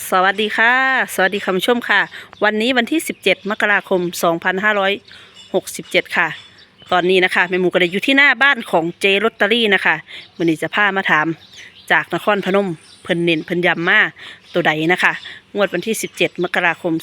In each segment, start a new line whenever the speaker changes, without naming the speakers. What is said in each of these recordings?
สวัสดีค่ะสวัสดีคุณผู้ชมค่ะวันนี้วันที่17มกราคม2567ค่ะตอนนี้นะคะแม่หมูก็ได้อยู่ที่หน้าบ้านของเจลอตเตอรี่นะคะวันนี้จะพามาถามจากนครพนมเพิ่นเน้นเพิ่นย้ำมาตัวใดนะคะงวดวันที่17มกราคม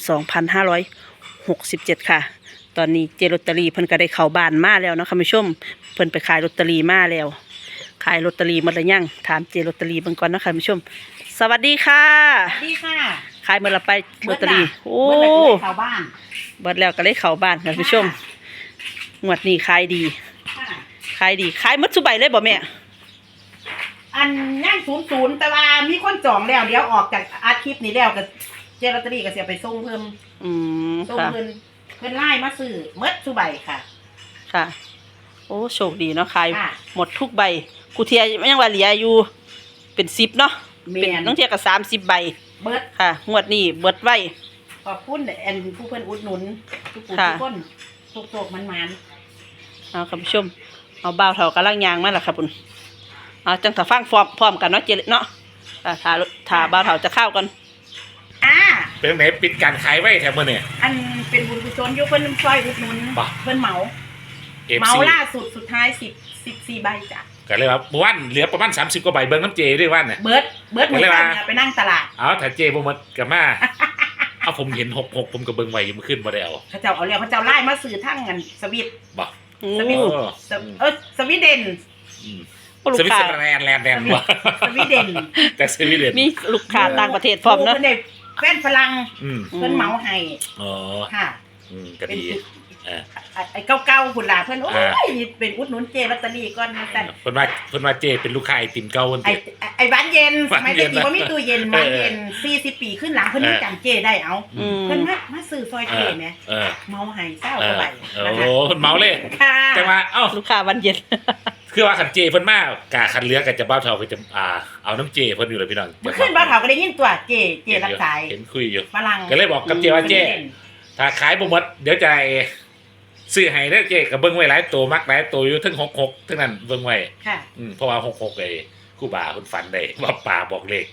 2567ค่ะตอนนี้เจลอตเตอรี่เพิ่นก็ได้เข้าบ้านมาแล้วนะคุณผู้ชมเพิ่นไปขายลอตเตอรี่มาแล้วขายลอตเตอรี่หมดหรือยังถามเจลอตเตอรี่เบิ่งก่อนนะคะคุณผู้ชมสวัสดีค่ะ
สวัสดีค่ะ
ขายเมื่อเราไปลอตเตอรี่โอ้
ชาวบ้าน
เบิดแล้วก็เลยเข้าบ้านคุณผู้ชมงวดนี้ขายดีขายดีขายหมดทุกใบเลยบ่แม่
อันย่าง00แต่ว่ามีคนจองแล้วเดี๋ยวออกจากอาทิตย์นี้แล้วก็เจลอตเตอรี่ก็เสียไปส่งเพิ่มส่ง
ค่ะ
เพิ่นไล่มาซื้อหมดทุกใบค่ะ
ค่ะโอ้โชคดีเนาะขายหมดทุกใบกูเทียยังว่าเหลืออยู่เป็น10เนาะเป็นน้องเทียก็30ใบ
เบิด
ค่ะงวดนี้เบิดไว้
ขอบคุณอันผู้เพิ่นอุดหนุนทุกคนทุกมัน
เอาคุณผู้ชมเอาบ่าวเฒ่ากำลังย่างมาแล้วครับคุณเอาจังถ้าฟังพร้อมกันเนาะเจเนาะถ้าบ่าวเฒ่าจะเข้ากัน
เป็นไหนปิดการขายไว้แถมมื้อเนี่ย
อันเป็นบุญกุศลอยู่เพิ่นซอยอุดหนุนเพิ่นเหมาล่าสุดสุดท้าย14ใบจ้ะ
ก็เลยว่าวันเหลือประมาณ30กว่าใบเบิ่งน้ำเจด้วยวันเนี่ย
เบิดหมดไปนั่งตลาด
เอาถ้าเจบ่หมดก็มาเอาผมเห็น66ผมก็เบิ่งไว้อยู่เมื่อคืนบ่ได้เอา
เขาเจ้าเอาแล้วเขาเจ้าไล่มาซื้อทั้งกันสวิต
บ่
สวิตสวีเดน
สวิตเซอร์แลนด์บ่
สวีเดน
แต่สวีเดน
มีลูกค้าต่างประเทศพร้อมเนาะ
แฟนฝรั่งเพิ่นเหมาให้
อ๋อ
ค่ะ
ก็ดี
ไอ้เก่าๆพุ่นล่ะเพิ่นโอ้ยเป็นอุดหนุนเจลอตเตอรี่ก่อนมาซั่น
เพิ่นว่าเจเป็นลูกค้าไอติมเก่าวันเด็ด
ไอ้บ้านเย็นสมัยแต่กี้บ่มีตู้เย็นบ้านเย็น40ปีขึ้นหลังเพิ่นยังจำเจได้เอาเพิ่นมาซื้อซอยเจแหมเมาให้เศร้าเข้าไป
โอ้เพิ่นเมาเลยแต่ว่าเอ้า
ลูกค้าวันเย็น
คือว่าคันเจเพิ่นมากะคันเหลือก็จะบ้าเฒ่าก็จะเอาน้ำเจเพิ่นอยู่เลยพี่น้อง
ขึ้นบ้าเฒ่าก็ได้ยินตัวเจรับสาย
เห็นคุยอยู่
ฝรั่ง
ก็เลยบอกกับเจว่าเจถ้าขายบ่หมดเดี๋ยวจะซื้อให้ได้เจ๊กับเบิ้งไว้หลายตัวมักหลายตัวอยู่ทั้ง66ทั้งนั้นเบิ้งไว้
ค่ะ
เพราะว่า66ไอ้ครูบาเพิ่นฝันได้ว่าป่าบอกเลข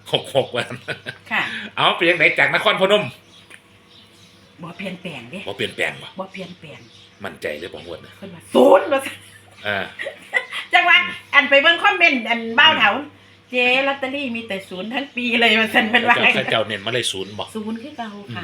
66ว่า
ค่ะ
เอาไปจังไดจากนครพนม
บ่เปลี่ยนแปลงเด้
บ่เปลี่ยนแปลง
บ่เปลี่ยนแปลง
มั่นใจเลยบ่ฮวดนะ
เพิ่นว่า0ว่าจังว่าอันไปเบิ่งคอมเมนต์อันบ้าวเฒ่าเจลอตเตอรี่มีแต่0ทั้งปีเลยว่าซั่นเพิ่นว่า
เจ้าเน้นมาเลย0บ่
0คือเก่าค่ะ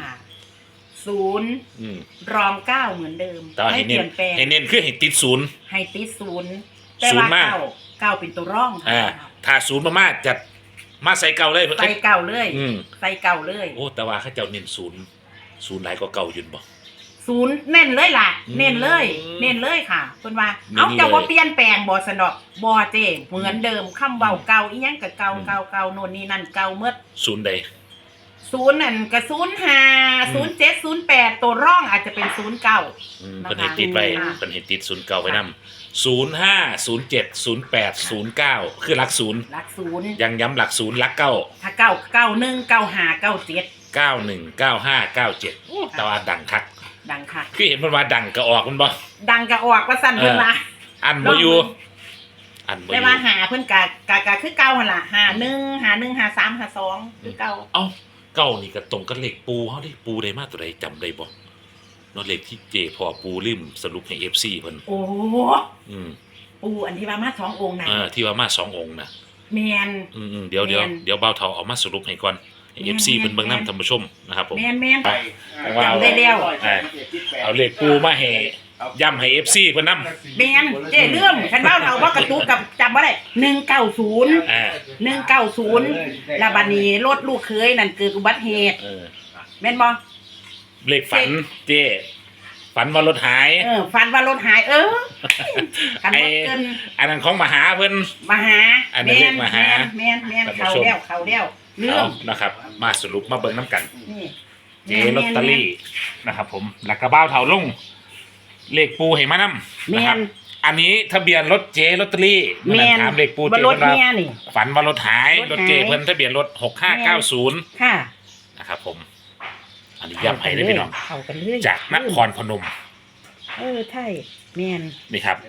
0รอง9เหมือนเดิม
ให้เปลี่ยนแปลงให้เน้นคือให้ติด0
ให้ติด0แต่ว่า9เป็นตัวร่อง
ถ้า0มากๆจะมาใส่เก่าเลย
ใส่เก่าเลยใส่เก่าเลย
โอ้แต่ว่าเขาเจ้าเน้น0หลายกว่าเก่าอยู่บ่
0เน้นเลยล่ะเน้นเลยค่ะเพิ่นว่าเอ้าเจ้าบ่เปลี่ยนแปลงบ่สนอกบ่เจ้เหมือนเดิมคำเว้าเก่าอีหยังก็เก่าโน่นนี่นั่นเก่าหมด
0ใด
0นั่นก็05 07 08ตัวร่องอาจจะเป็น09
เพิ่นให้ติดไว้เพิ่นให้ติด09ไว้นำ05 07 08 09คือหลัก0ยังย้ำหลัก0หลัก9
ถ้า9 91 95 97
91 95 97แต่ว่าดังคักคือเห็นเพิ่นว่าดังก็ออกมันบ่
ดังก็ออกว่าซั่นเพิ่นว่า
อันบ่อยู่
แต่ว่าหาเพิ่นก็คือเก่าหั่นล่ะ51 53 52คือเก่า
เอ้าเก้านี่ก็ตรงกับเลขปูเฮาได้ปูได้มาตัวใดจำได้บ่เนาะเลขที่เจพอปูลืมสรุปให้ FC เพิ่น
โอ้ปูอันที่ว่ามา2องค์น่ะ
ที่ว่ามา2องค์น่ะ
แม่น
เดี๋ยวเบาเฒ่าเอามาสรุปให้ก่อนให้ FC เพิ่นเบิ่งนำท่านผู้ชมนะครับผม
แม่น
จำได้แล้วเอาเลขปูมาให้ย้ำให้ FC เพิ่นนำ
แม่นเจ้เรื่องคันเว้าเฒ่าบ่กระตุกกับจำบ่ได้190แล้วบัดนี้รถลูกเคยนั่นเกิดอุบัติเหตุแม่นบ่
เลขฝันเจ้ฝันว่ารถหาย
ฝันว่ารถหายคันบ่เกิน
อันนั้นของมหาเพิ่น
มหา
อันนั้นเลขมหา
แม่นเขาแล้วเรื่อง
นะครับมาสรุปมาเบิ่งนำกันเจลอตเตอรี่นะครับผมแล้วก็บ้าวเฒ่าลงเลขปูให้มานำนะครับอันนี้ทะเบียนรถเจลอตเตอรี่ถามเลขปูเจเพิ่นว่าฝันว่ารถหายรถเจเพิ่นทะเบียนรถ6590
ค่ะ
นะครับผมอันนี้ย้ำให้ได้พี่น้องจากนครพนม
ใช่แม่น
นี่ครับ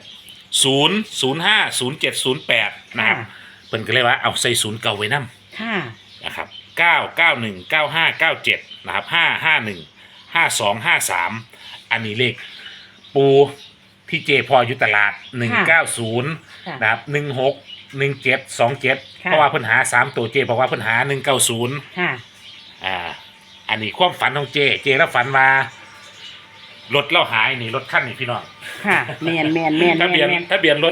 005 0708นะครับเพิ่นก็เลยว่าเอาใส่0เก่าไว้นำนะครับ 991 95 97นะครับ551 5253อันนี้เลขปูที่เจพออยู่ตลาด190นะครับ16 17 27เพราะว่าเพิ่นหา3ตัวเจบอกว่าเพิ่นหา190
ค่ะ
อันนี้ความฝันของเจแล้วฝันว่ารถเราหายนี่รถคันนี่พี่น้อง
ค่ะแม่น
ทะเบียนรถ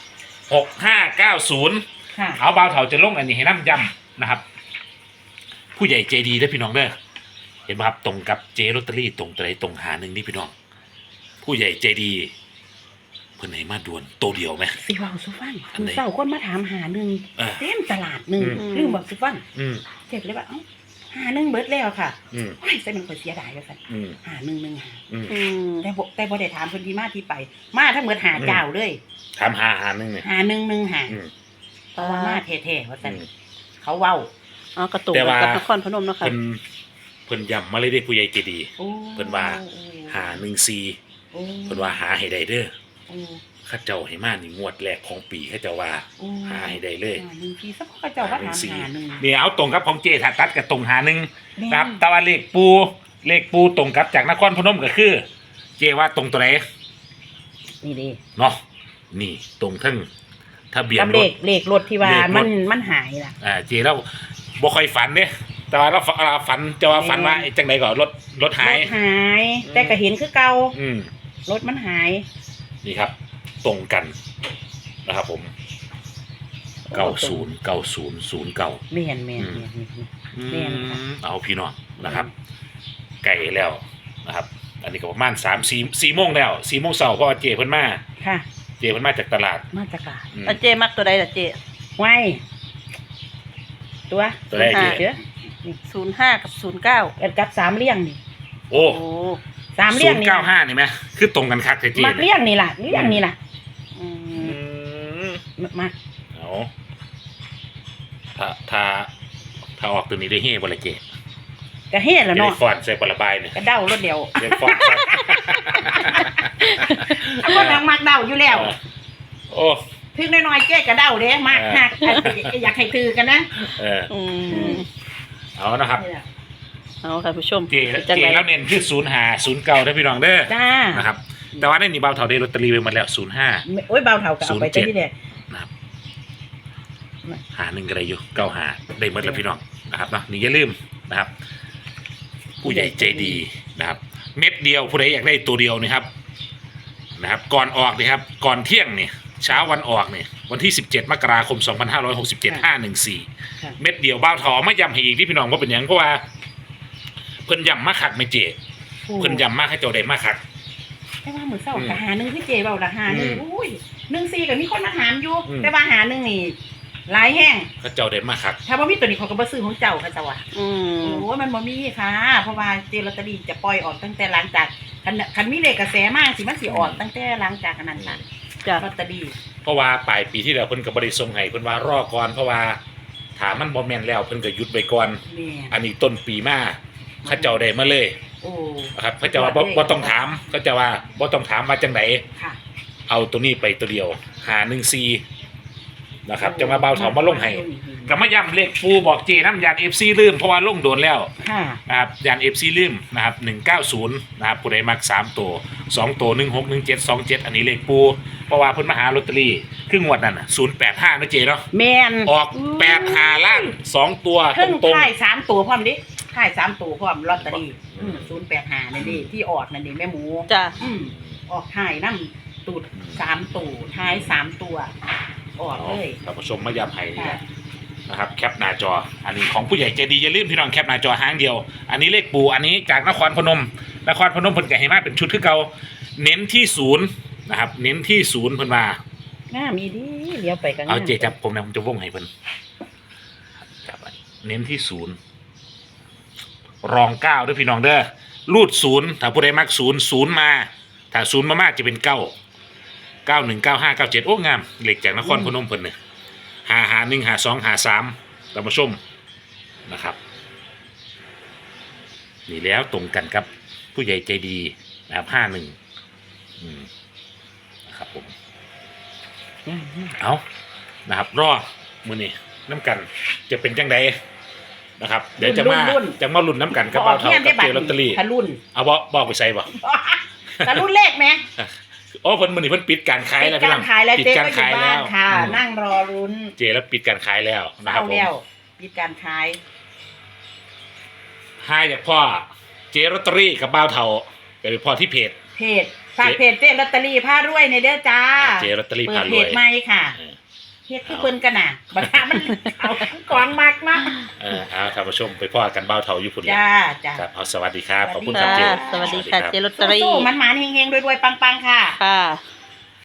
6590
ค่ะ
เอาบ่าวเฒ่าจะลงอันนี้ให้น้ำย้ำนะครับผู้ใหญ่ใจดีเด้อพี่น้องเด้อเห็นป่ะครับตรงกับเจลอตเตอรี่ตรงตัวใดตรงหาหนึ่งนี่พี่น้องผู้ใหญ่ใจดีเพิ่นให้มาด่วนตัวเดียวไหม
สิเว้าสุฟังคือเศร้าคนมาถามหาหนึ่งเต็มตลาดหนึ่งลืมบอกสุฟังเจ็บเลยว่าหาหนึ่งเบิดแล้วค่ะโอ้ยจะเป็นคนเสียดายเลยค่ะหาหนึ่งหาแต่บ่ได้ถามคนที่มาที่ไปมาถ้าเหมือนหาเจ้าเลย
ถามหาหนึ่งเนี่ย
หาหนึ่งหาเพราะว่ามาแท้ๆว่าซั่นเขาเว้
ากระตุกกับนครพนมเนาะค่ะ
เพิ่นย้ำมาเลยได้ผู้ใหญ่ใจดีเพิ่นว่าหา14เพิ่นว่าหาให้ได้เด้อข้าเจ้าให้มานี่งวดแรกของปีข้าเจ้าว่าหาให้ได้เลย
1 สักข้าเจ้าว่าถามหา1
นี่เอาตรงกับของเจถ้าตัดกับตรงหา1ครับแต่ว่าเลขปูตรงกับจากนครพนมก็คือเจว่าตรงตัวไหน
นี่ดิ
เนาะนี่ตรงทั้งทะเบียน
รถเลขรถที่ว่ามันหายล่ะ
เจแล้วบ่ค่อยฝันเด้แต่ว่าเราฝันจะว่าฝันว่าจังได๋ก็รถหาย
แต่ก็เห็นคือเก่ารถมันหาย
นี่ครับตรงกันนะครับผม909009
แม่น
เอาพี่น้องนะครับไก่แล้วนะครับอันนี้ก็ประมาณ4โมงแล้ว4โมงเช้าเพราะว่าเจเพิ่นมา
ค่ะ
เจเพิ่นมาจากตลาด
เจมักตัวใดล่ะเจ
ไว้ตัว
ใดเจ
05กับ09
กับ3เลี่ยงนี่
โอ้
3เลี่ยงนี่
95นี่มั้ยคือตรงกันคักเจ
มักเลี่ยงนี่ล่ะมา
เอาถ้าออกตัวนี้ได้เฮ่บ่ล่ะเจ
ก็เฮ่แล้วเนาะ
ฟอนใส่ปลาบายเนี่ย
ก็เด้ารถเดียว
เดี๋ยวฟอน
บ่ทางมักเด้าอยู่แล้ว
โอ้
ถึงน้อยๆเจ๊ก็เด้าเด้มักฮักอยากให้ถือกันนะ
เอานะครับ
เอาค่ะผู้ชม
เจแล้วเน้นคือ0509ถ้าพี่น้องเด้อนะครับแต่ว่าในนี้เบาเท่าได้ลอตเตอรี่ไปหมดแล้ว05
โอ้ยเบาเท่าก็เอาไปแต่ที่เนี่ย
นะครับหา1ก็ได้อยู่95ได้หมดแล้วพี่น้องนะครับเนาะนี่อย่าลืมนะครับผู้ใหญ่ใจดีนะครับเม็ดเดียวผู้ใดอยากได้ตัวเดียวนี่ครับก่อนออกนี่ครับก่อนเที่ยงนี่เช้าวันออกนี่วันที่17 มกราคม 2567 514เม็ดเดียวเบาเท่าไม่ย้ำให้อีกที่พี่น้องว่าเป็นหยังเพราะว่าเพิ่นย้ำมาคักไม่เจเพิ่นย้ำมาให้เจ้าได้มาคัก
แต่ว่ามื้อเช้าก็หา1คือเจเว้าละหา1อุ้ย14ก็มีคนมาถามอยู่แต่ว่าหา1นี่หลายแห้ง
เขาเจ้าได้มาคัก
ถ้าบ่มีตัวนี้เขาก็บ่ซื้อของเจ้าเขาจะว่าโอ้ยมันบ่มีค่ะเพราะว่าเจลอตเตอรี่จะปล่อยออกตั้งแต่หลังจากคันมีเลขกระแสมากสิมันสิออกตั้งแต่หลังจากนั้นล่ะลอตเตอรี่
เพราะว่าปลายปีที่แล้วเพิ่นก็บ่ได้ส่งให้เพิ่นว่ารอก่อนเพราะว่าถ้ามันบ่แม่นแล้วเพิ่นก็หยุดไว้ก่อนอันนี้ต้นปีมาเขาเจ้าได้มาเลยครับเขาเจ้าว่าบ่ต้องถามเขาเจ้าว่าบ่ต้องถามว่าจังได๋เอาตัวนี้ไปตัวเดียว514นะครับจะมาเบาเถามาลงให้ก็มาย้ำเลขปูบอกเจน้ำยาน FC ลืมเพราะว่าลงโดนแล้วนะครับยาน FC ลืมนะครับ190นะครับผู้ใดมัก3ตัว2ตัว161727อันนี้เลขปูเพราะว่าเพิ่นมาหาลอตเตอรี่คืองวดนั่นน่ะ085นะเจเนาะ
แม่น
ออก85ล่าง2ตัว
ตรงๆท้าย3ตัวพร้อมดิท้าย3ตัวพร้อมลอตเตอรี่085นั่นดิที่ออกนั่นดิแม่หมู
จ้ะ
ออกท้ายนำตูด3ตัวท้าย3ตัวออกเลย
ท่านผู้ชมมาย้ำให้นะครับแคปหน้าจออันนี้ของผู้ใหญ่ใจดีอย่าลืมพี่น้องแคปหน้าจอหางเดียวอันนี้เลขปูอันนี้จากนครพนมเพิ่นก็ให้มาเป็นชุดคือเก่าเน้นที่0นะครับเน้นที่0เพิ่นว่า
มีดีเลี้ยวไปกัน
เอาเจจับผมนะผมจะวงให้เพิ่นจับเน้นที่0รอง9ด้วยพี่น้องเด้อรูด0ถ้าผู้ใดมัก0มาถ้า0มากๆจะเป็น9 919597โอ้งามเหล็กจากนครพนมเพิ่นเนี่ย51 52 53ท่านผู้ชมนะครับนี่แล้วตรงกันครับผู้ใหญ่ใจดีนะครับ51นะครับผมเอานะครับรอมื้อนี้น้ำกันจะเป็นจังไดนะครับเดี๋ยวจะมาลุ้นน้ำกันกับเบาเท่ากับเจลอตเตอรี่
ทะรุ่น
เอาบอกไปใส่บ่
ทะรุ่นเลขไหม
โอ้เพิ่นมื้อนี้เพิ่นปิดการขายแล้ว
ปิดการขายแล้ว
ปิด
เจ๊
การ
ก็อ
ขา
ยู่
ย
บ้า
แล้
น
ว
ค่ะ นั่งรอลุ้น
เจแล้วปิดการขายแล้วนะครับ
เศร้า
ผม
แล้วปิดการขาย
ให้จากพ่อเจลอตเตอรี่กับเบาเท่าไปพ่อที่เพจ
ฝากเพจเจ๊ลอตเตอรี่ผ้ารวยในเด้อจ้า
เจลอตเตอรี่
เปิ
พา
ด
ร
เพ
วย
จใหม่ค่ะ
เออ
เพจที่เพิ่นกันน่ะบัดหามันเอากองมากนะ
เอาท่านผู้ชมไปพ่อกันเบาเท่าอยู่พุ่น
จ้าจ้า
ครับเอาสวัสดีครับขอบคุณค
ค่ะ
รับเจ
สวัสดีค่ะเจลอตเตอรี่
สู้ๆมันหมานๆเฮงๆรวยๆปังๆค่ะ
ค่ะ